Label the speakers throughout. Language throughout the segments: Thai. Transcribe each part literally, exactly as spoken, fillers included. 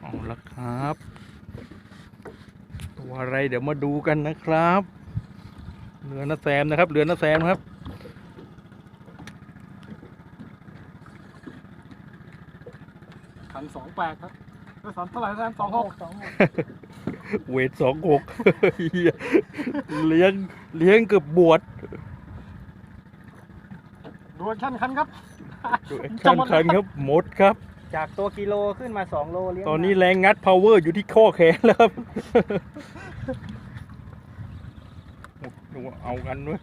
Speaker 1: เอาละครับตัวอะไรเดี๋ยวมาดูกันนะครับเรือน้าแซมนะครับเรือน้าแซมครับ
Speaker 2: พันสองแปดครับสองเท่าไหร่นะสองหกสองหก
Speaker 1: เวทสองหกเลี้ยงเลี้ยงเกือบบวช
Speaker 2: ดูแข่งขันครับ
Speaker 1: ดูแอคชั่นคันครับหมดครับ
Speaker 3: จากตัวกิโลขึ้นมาสองโลเลี้ยง
Speaker 1: ตอนนี้แรงงัด power อยู่ที่ข้อแขนแล้วครับดูว่าเอากันด้วย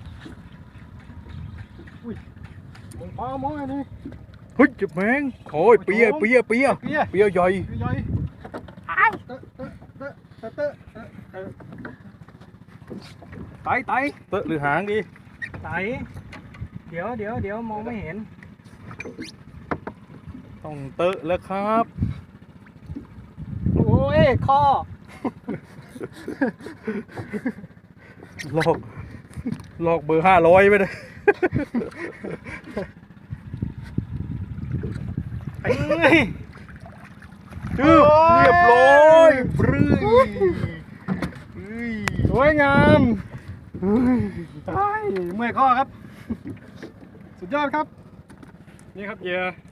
Speaker 2: มองพอมองอันนี้
Speaker 1: เฮ้ยจับแมงโอ้ยเปียเปียเปีย
Speaker 2: เปีย
Speaker 1: เปียใหญ่
Speaker 2: ใหญ่อ้าวเตอะเตอะเตอะเตอะเตอะเตอะไตไต
Speaker 1: เตอะหรือหางดี
Speaker 3: ไตเดี๋ยวเดี๋ยวเดี๋ยวมองไม่เห็น
Speaker 1: ต้องเตอะแล้วครับ
Speaker 3: โอ้ยข้อ
Speaker 1: ลอกลอกเบอร์ห้าร้อยไปเลย
Speaker 3: เอ้ย
Speaker 1: จืบเรียบร้อยบรื้ยเฮ้ย
Speaker 2: สวยงามเมื่อยข้อครับ สุดยอดครับ นี่ครับเหยื่อ